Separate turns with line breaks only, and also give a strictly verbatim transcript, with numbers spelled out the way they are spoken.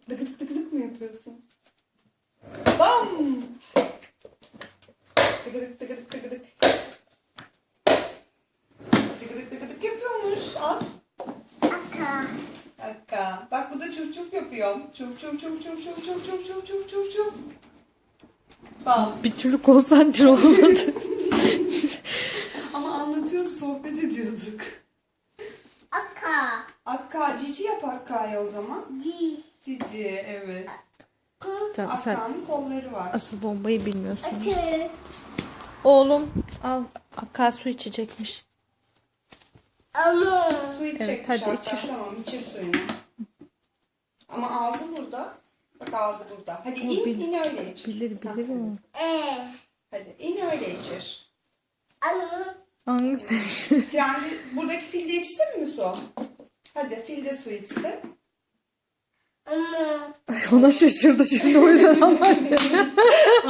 Dıgıdık dıgıdık mı yapıyorsun? Bam! Dıgıdık dıgıdık dıgıdık. Dıgıdık dıgıdık yapıyormuş. At.
Aka.
Dakika. Bak bu da çuf çuf yapıyor. Çuf çuf çuf çuf çuf çuf çuf çuf çuf çuf çuf. Bam.
Bir türlü konsantre olmadı.
Ama anlatıyordu, sohbet ediyorduk.
Aka.
Akka, cici yap Akka'ya o zaman.
Di.
Cici, evet.
Tamam, sen
Akka'nın kolları var.
asıl bombayı bilmiyorsun.
Atı.
Oğlum al. Akka su içecekmiş.
Ama.
Su içecekmiş
Evet, hadi
hatta.
içir.
Tamam, içir suyunu. Ama ağzı burada. Bak ağzı burada. Hadi
O
in,
bil-
in öyle içir.
Bilir bilir o.
E.
Hadi in öyle içir.
Ama.
Hangisi?
Trendi, buradaki filde içsin mi su? Hadi filde su içsin.
Ama.
Ona şaşırdı şimdi o yüzden ama.